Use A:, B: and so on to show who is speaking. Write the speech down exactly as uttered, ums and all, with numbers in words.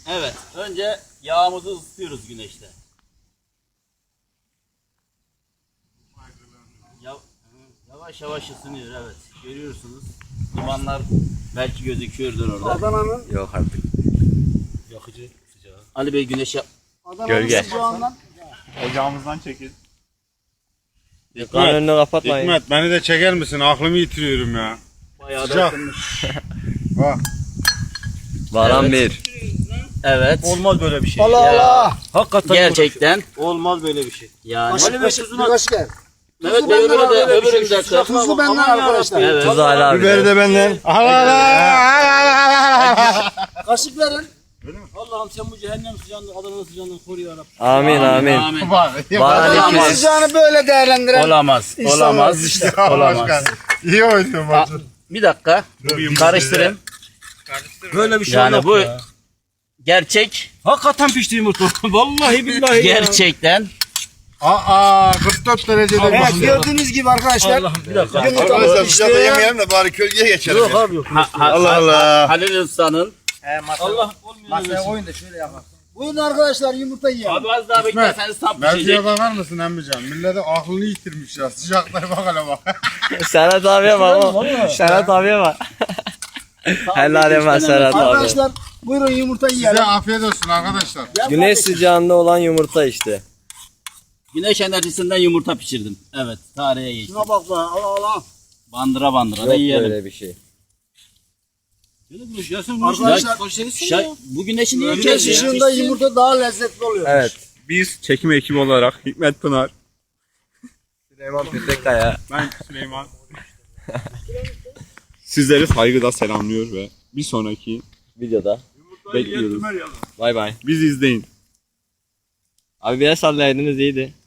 A: Evet. Önce yağımızı ısıtıyoruz güneşte. Ya, yavaş yavaş ısınıyor, evet. Görüyorsunuz. Dumanlar belki gözüküyordur orada.
B: Adana'nın
C: Yok artık.
A: Yakıcı sıcağı. Ali Bey güneş yap.
B: Adana'nın
C: Gölge.
B: sıcağından
D: Ocağımızdan çekil.
C: Dükkanın önünü kapatmayın.
D: Hikmet beni de çeker misin? Aklımı yitiriyorum ya.
A: Bayağı da
D: Sıcak.
A: ısınmış.
D: Bak.
C: Varan
A: Evet.
C: bir.
A: Evet.
E: Olmaz böyle bir şey.
B: Allah
A: Ya.
B: Allah.
E: Hakikaten
A: Gerçekten.
E: olmaz böyle bir şey.
A: Yani.
B: Kaşık kaşık bir kaşık gel.
A: Evet,
B: Tuzu benden
A: öbürü de,
B: abi,
A: öbürü
B: bir şey.
A: de.
B: Sıcak tuzu benden arkadaşlar.
A: Evet.
C: Tuz hala abi.
D: Biberi de benden.
B: Kaşık verin.
E: Allah'ım sen bu cehennem sıcağından, Adana sıcağından koru ya Rabbi.
C: Amin amin.
A: Amin.
C: Varan
B: Adana'nın
C: iki.
B: sıcağını böyle değerlendiren.
A: Olamaz.
B: İnsanlar
A: Olamaz.
B: işte.
A: Olamaz.
D: İyi oynuyorsun
A: Ha,
D: maçı.
A: bir dakika. Karıştırın.
E: Böyle bir şey
A: Yani
E: yok
A: bu
E: ya.
A: gerçek.
E: Hakikaten pişti yumurta. Vallahi billahi ya.
A: Gerçekten.
D: Aa kırk dört derecede
B: Evet
D: pişiyor.
B: gördüğünüz gibi arkadaşlar.
E: Allah'ım bir dakika.
B: Yumurta
D: Arkadaşlar
B: pişti.
D: dışarıda yemeyelim de bari kölgeye geçelim.
E: Yok abi yok.
A: Ha, ha,
D: Allah
A: ha-
D: Allah.
A: Halil Usta'nın.
E: Allah olmuyor.
B: Masaya koyun da şöyle yapalım. Buyurun arkadaşlar yumurta yiyelim.
A: Abi az daha beklerseniz tam
D: Mevzuya
A: pişecek.
D: bakar mısın emmican? Millete aklını yitirmiş ya. Sıcaklara bak hele bak.
C: Serhat abiye bak o. Serhat abiye bak. Helal hemen Serhat abi.
B: Arkadaşlar buyurun yumurta
D: Size
B: yiyelim.
D: afiyet olsun arkadaşlar.
C: Güneş sıcağında olan yumurta işte.
A: Güneş enerjisinden yumurta pişirdim. Evet, tarihe geçti.
B: Şuna bak be Allah Allah.
A: Bandıra bandıra da
C: Yok
A: yiyelim.
C: böyle bir şey.
E: Şöyle güneş gelsin.
B: Arkadaşlar
A: Şay, bu güneşi niye
B: güneş
A: kesiyor?
B: ışığında yumurta daha lezzetli oluyor.
C: Evet.
D: Biz çekim ekibi olarak Hikmet Pınar,
C: Süleyman Petekkaya.
D: ben Süleyman. Sizleri saygıda selamlıyor ve bir sonraki
C: Videoda.
D: bekliyoruz.
C: Bay bay.
D: Bizi izleyin.
C: Abi bir el sallaydınız iyiydi.